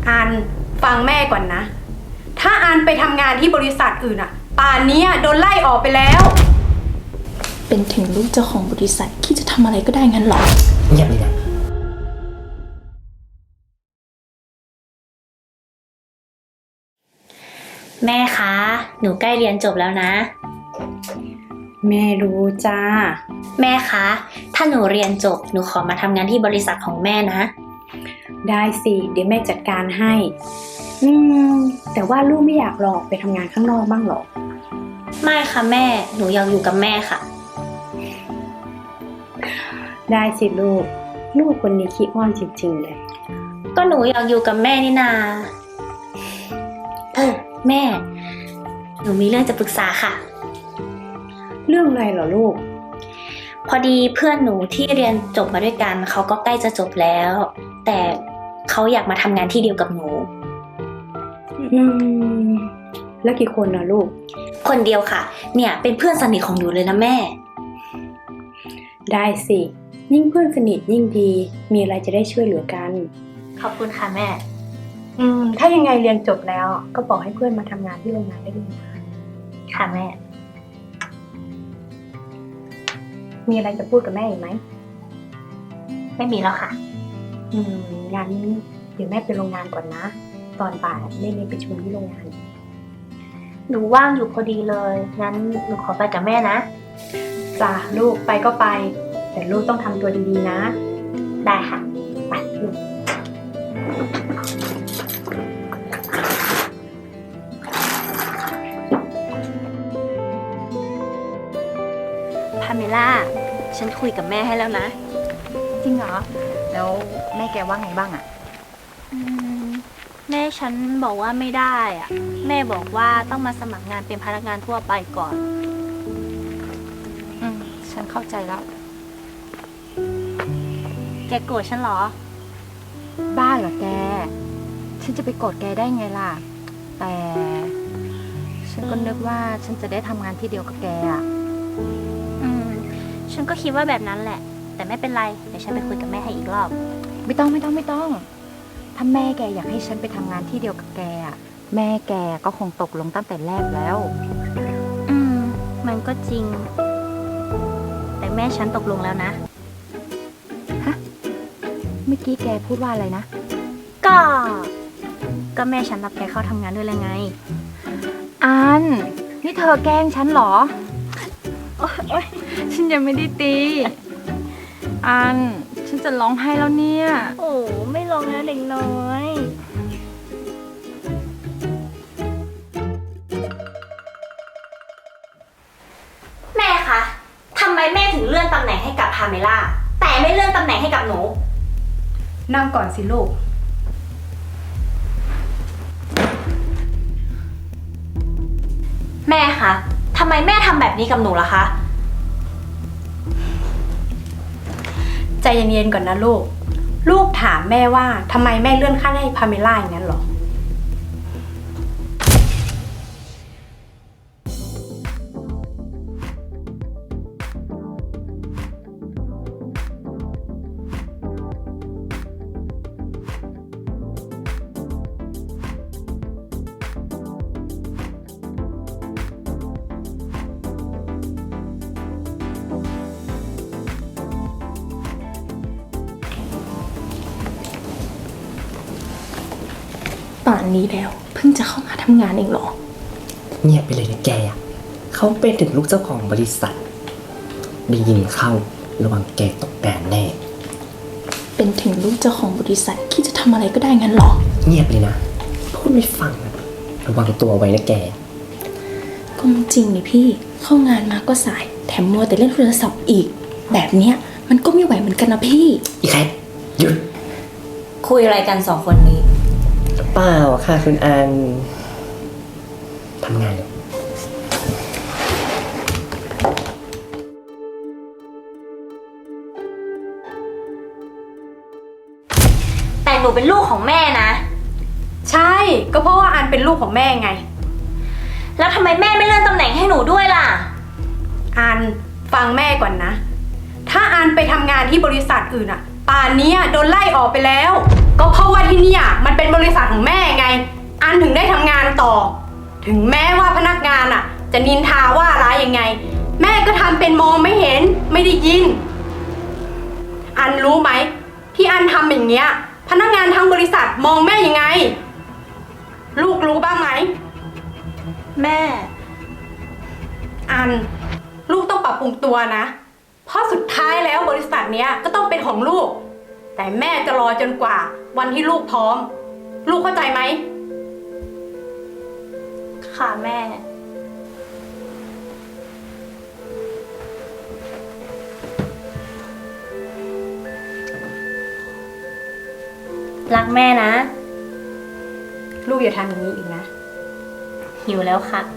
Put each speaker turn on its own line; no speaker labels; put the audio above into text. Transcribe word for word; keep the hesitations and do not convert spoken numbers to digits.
อันฟังแม่ก่อนนะถ้าอันไปทำงานที่บริษัทอื่นอะป่านนี้โดนไล่ออกไปแล้ว
เป็นถึงลูกเจ้าของบริษัทคิดจะทำอะไรก็ได้งั้นหรอ
เงียบเลยนะ
แม่คะหนูใกล้เรียนจบแล้วนะ
แม่รู้จ้า
แม่คะถ้าหนูเรียนจบหนูขอมาทำงานที่บริษัทของแม่นะ
ได้สิเดี๋ยวแม่จัดการให้อืมแต่ว่าลูกไม่อยากลองไปทำงานข้างนอกบ้างหรอ
ไม่ค่ะแม่หนูอยากอยู่กับแม่ค่ะ
ได้สิลูกลูกคนนี้ขี้อ้อนจริงๆเลย
ก็หนูอยากอยู่กับแม่นี่นาเออแม่หนูมีเรื่องจะปรึกษาค่ะ
เรื่องอะไรเหรอลูก
พอดีเพื่อนหนูที่เรียนจบมาด้วยกันเขาก็ใกล้จะจบแล้วแต่เขาอยากมาทำงานที่เดียวกับหนู
อืมแล้วกี่คนนะลูก
คนเดียวค่ะเนี่ยเป็นเพื่อนสนิทของหนูเลยนะแม่
ได้สิยิ่งเพื่อนสนิทยิ่งดีมีอะไรจะได้ช่วยเหลือกัน
ขอบคุณค่ะแม่
อืมถ้ายังไงเรียนจบแล้วก็บอกให้เพื่อนมาทำงานที่โรงงานได้เลยนะ
ค่ะแม่
มีอะไรจะพูดกับแม่อีกไหม
ไม่มีแล้วค่ะ
อืมงานนี้เดี๋ยวแม่ไปโรงงานก่อนนะตอนบ่ายแม่มีประชุมที่โรงงาน
หนูว่างอยู่พอดีเลยงั้นหนูขอไปกับแม่นะ
จ้ะลูกไปก็ไปแต่ลูกต้องทำตัวดีๆนะ
ได้ค่ะ
ไปลูก
พาเมล่าฉันคุยกับแม่ให้แล้วนะ
จริงเหรอแล้วแม่แกว่าไงบ้างอะ
แม่ฉันบอกว่าไม่ได้อะแม่บอกว่าต้องมาสมัครงานเป็นพนักงานทั่วไปก่อน
อืมฉันเข้าใจแล้ว
แกโกรธฉันเหรอ
บ้าเหรอแกฉันจะไปโกรธแกได้ไงล่ะแต่ฉันก็นึกว่าฉันจะได้ทำงานที่เดียวกับแกอ่ะ
อืมฉันก็คิดว่าแบบนั้นแหละแต่ไม่เป็นไรเดี๋ยวฉันไปคุยกับแม่ให้อีกรอบ
ไม่ต้องไม่ต้องไม่ต้องถ้าแม่แกอยากให้ฉันไปทำงานที่เดียวกับแกอ่ะแม่แกก็คงตกลงตั้งแต่แรกแล้ว
อืมมันก็จริงแต่แม่ฉันตกลงแล้วนะ
ฮะเมื่อกี้แกพูดว่าอะไรนะ
ก็ก็แม่ฉันรับแกเข้าทำงานด้วยแล้วไง
อันนี่เธอแกล้งฉันเหรอโอ๊ยฉันยังไม่ได้ตีอันฉันจะร้องไห้แล้วเนี่ย
โอ้ไม่ร้องแล้วเด็กน้อยแม่คะทำไมแม่ถึงเลื่อนตำแหน่งให้กับพาเมล่าแต่ไม่เลื่อนตำแหน่งให้กับหนู
นั่งก่อนสิลูก
แม่คะทำไมแม่ทำแบบนี้กับหนูล่ะคะ
ใจเย็นๆก่อนนะลูกลูกถามแม่ว่าทำไมแม่เลื่อนขั้นให้พาเมล่าอย่างนั้นหรอ
ป่านนี้แล้วเพิ่งจะเข้ามาทำงานเองเหรอ
เงียบไปเลยนะแกเขาเป็นถึงลูกเจ้าของบริษัทได้ยินเข้าระวังแกตกแดนแน่
เป็นถึงลูกเจ้าของบริษัทคิดจะทำอะไรก็ได้งั้นหรอ
เงียบเลยนะพูดไม่ฟังระวังตัวไว้นะแก
ก็จริงนี่พี่เข้างานมาก็สายแถมมัวแต่เล่นโทรศัพท์อีกแบบเนี้ยมันก็ไม่ไหวเหมือนกันนะพี่
อีแคทหยุด
คุยอะไรกันสองคนนี้
เปล่าค่ะคุณอันทำงานเลย
แต่หนูเป็นลูกของแม่นะ
ใช่ก็เพราะว่าอันเป็นลูกของแม่ไง
แล้วทำไมแม่ไม่เลื่อนตำแหน่งให้หนูด้วยล่ะ
อันฟังแม่ก่อนนะถ้าอันไปทำงานที่บริษัทอื่นอะป่านนี้โดนไล่ออกไปแล้วก็เพราะว่าที่นี่มันเป็นบริษัทของถึงได้ทำงานต่อ ถึงแม้ว่าพนักงานอ่ะ จะนินทาว่าร้ายยังไง แม่ก็ทำเป็นมองไม่เห็นไม่ได้ยิน อันรู้ไหมที่อันทำอย่างเงี้ย พนักงานทั้งบริษัทมองแม่ยังไง ลูกรู้บ้างไหม
แม่
อันลูกต้องปรับปรุงตัวนะ เพราะสุดท้ายแล้วบริษัทเนี้ยก็ต้องเป็นของลูก แต่แม่จะรอจนกว่าวันที่ลูกพร้อม ลูกเข้าใจไหม
ค่ะแม่ รักแม่นะ
ลูกอย่าทำอย่างนี้อีกนะ
หิวแล้วค่ะ